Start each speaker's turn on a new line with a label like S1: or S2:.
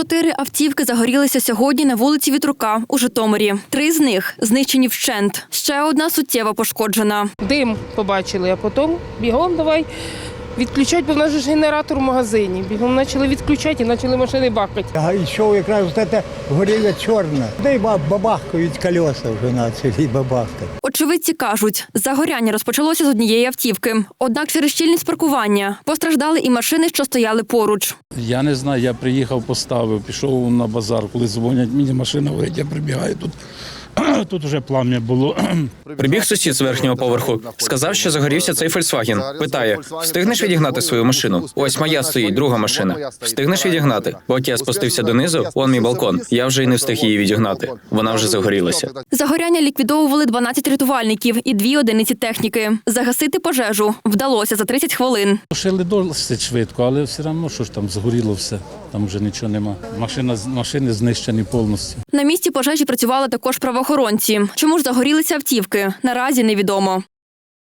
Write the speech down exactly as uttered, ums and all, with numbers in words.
S1: Чотири автівки загорілися сьогодні на вулиці Вітрука у Житомирі. Три з них знищені вщент. Ще одна суттєво пошкоджена.
S2: Дим побачили, а потім бігом давай відключати, бо в нас же ж генератор в магазині. Бігом почали відключати і почали машини бахати.
S3: А йшов якраз це горілля чорна. Да й бабахкають колеса вже почали бабахкати.
S1: Очевидці кажуть, загоряння розпочалося з однієї автівки. Однак через щільність паркування постраждали і машини, що стояли поруч.
S4: Я не знаю, я приїхав, поставив, пішов на базар, коли дзвонять, мені машина горить, я прибігаю тут. Тут вже плам'я було.
S5: Прибіг сусід з верхнього поверху. Сказав, що загорівся цей «Фольксваген». Питає, встигнеш відігнати свою машину? Ось моя стоїть, друга машина. Встигнеш відігнати? Поки я спустився донизу, он мій балкон. Я вже й не встиг її відігнати. Вона вже загорілася.
S1: Загоряння ліквідовували дванадцять рятувальників і дві одиниці техніки. Загасити пожежу вдалося за тридцять хвилин.
S4: Тушили досить швидко, але все одно, що ж там, згоріло все. Там вже нічого нема. Машина, машини знищені повністю.
S1: На місці пожежі працювали також правоохоронці. Чому ж загорілися автівки? Наразі невідомо.